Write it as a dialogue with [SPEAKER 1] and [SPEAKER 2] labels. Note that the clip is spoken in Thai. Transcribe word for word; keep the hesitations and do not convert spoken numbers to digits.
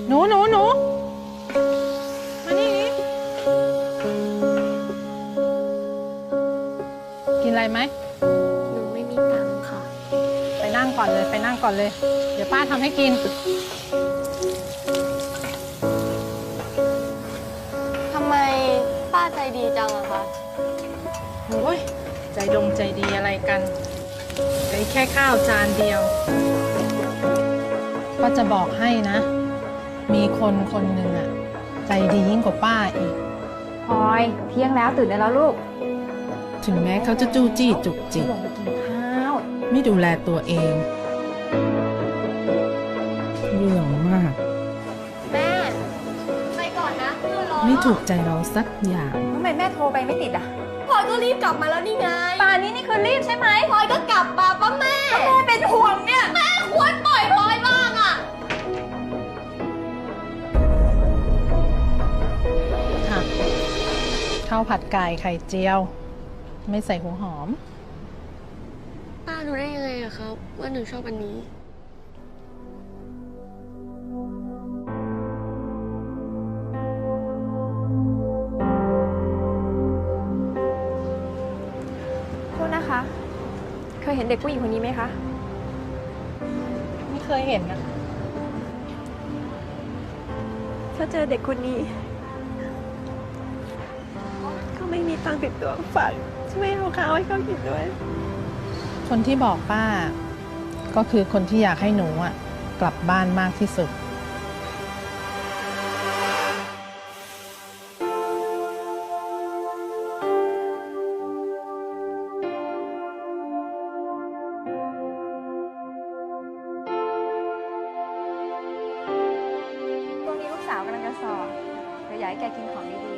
[SPEAKER 1] หนูหนูหนูมานี่กินอะไรไหม
[SPEAKER 2] หนูไม่มีตังค์ค่ะ
[SPEAKER 1] ไปนั่งก่อนเลยไปนั่งก่อนเลย เดี๋ยวป้าทำให้กิน
[SPEAKER 2] ทำไมป้าใจดีจังอะคะ
[SPEAKER 1] โอ้ยใจดงใจดีอะไรกันไอ้แค่ข้าวจานเดียวก็จะบอกให้นะ มีคนคนหนึ่งอะใจดียิ่งกว่าป้าอีก
[SPEAKER 3] พลอยเที่ยงแล้วตื่นได้แล้วลูก
[SPEAKER 1] ถึงแม้เขาจะจู้จี้จุกจิก
[SPEAKER 3] ลงไปกินข้าว
[SPEAKER 1] ไม่ดูแลตัวเองเรื่องมาก
[SPEAKER 2] แม่ไปก่อนนะเพื่อนรอ
[SPEAKER 1] ไม่ถูกใจเราสักอย่าง
[SPEAKER 3] ทำไมแม่โทรไปไม่ติดอ่ะ
[SPEAKER 2] พลอยก็รีบกลับมาแล้วนี่ไง
[SPEAKER 3] ป่านนี้นี่คือรีบใช่ไหม
[SPEAKER 2] พลอยก็กลับมาป้าแม่
[SPEAKER 3] แม่เป็นห่วงเนี่ย
[SPEAKER 2] แม่ควรปล่อยพลอยบ้างอะ
[SPEAKER 1] ค่ะข้าวผัดไก่ไข่เจียว ไม่ใส่หัวหอม
[SPEAKER 2] ป้ารู้ได้ยังไงอะครับว่าหนูชอบอันนี้
[SPEAKER 3] โทษนะคะ เคยเห็นเด็กผู้หญิงคนนี้ไหมคะ
[SPEAKER 1] ไม่เคยเห็นนะ
[SPEAKER 3] ถ้าเจอเด็กคนนี้เขาไม่มีตังค์ติดตัวฝากช่วยเอาข้าวให้เขากินด้วย
[SPEAKER 1] คนที่บอกป้าก็คือคนที่อยากให้หนูอ่ะกลับบ้านมากที่สุด
[SPEAKER 3] ช่วงนี้ลูกสาวกำลังจะสอบเดี๋ยวอยากให้แกกินของดี